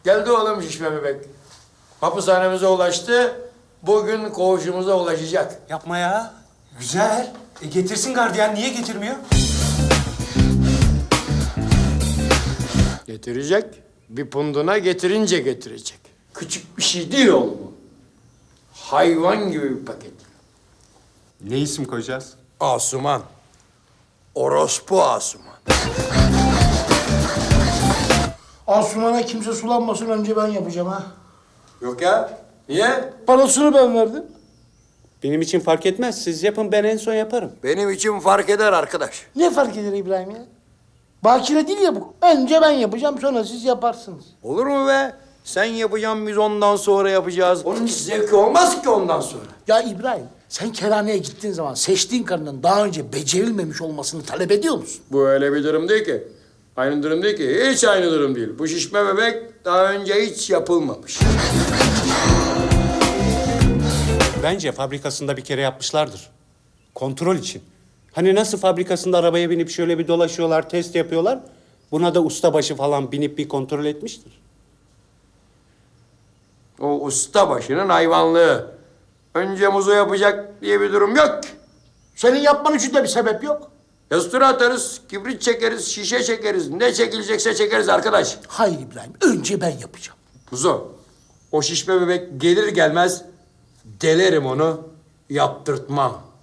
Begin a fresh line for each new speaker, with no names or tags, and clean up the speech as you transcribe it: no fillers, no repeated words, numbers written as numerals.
Geldi oğlum şişme bebek. Hapishanemize ulaştı. Bugün koğuşumuza ulaşacak.
Yapma ya. Güzel. Getirsin gardiyan. Niye getirmiyor?
Getirecek. Bir punduna getirince getirecek. Küçük bir şey değil oğlum bu. Hayvan gibi bir paket.
Ne isim koyacağız?
Asuman. Orospu Asuman.
Asuman'a kimse sulanmasın önce ben yapacağım ha.
Yok ya. Niye?
Parasını ben verdim.
Benim için fark etmez. Siz yapın, ben en son yaparım.
Benim için fark eder arkadaş.
Ne fark eder İbrahim ya? Bakire değil ya bu. Önce ben yapacağım sonra siz yaparsınız.
Olur mu be? Sen yapacaksın, biz ondan sonra yapacağız. Onun hiç zevki olmaz ki ondan sonra.
Ya İbrahim sen kerhaneye gittiğin zaman seçtiğin karının daha önce becerilmemiş olmasını talep ediyor musun?
Bu öyle bir durum değil ki. Aynı durum değil ki. Hiç aynı durum değil. Bu şişme bebek daha önce hiç yapılmamış.
Bence fabrikasında bir kere yapmışlardır. Kontrol için. Hani nasıl fabrikasında arabaya binip şöyle bir dolaşıyorlar, test yapıyorlar. Buna da ustabaşı falan binip bir kontrol etmiştir.
O ustabaşının hayvanlığı. Önce muzu yapacak diye bir durum yok ki.
Senin yapman için de bir sebep yok.
Yastıra atarız, kibrit çekeriz, şişe çekeriz. Ne çekilecekse çekeriz arkadaş.
Hayır İbrahim önce ben yapacağım.
Kuzu, o şişme bebek gelir gelmez delerim onu, yaptırtmam.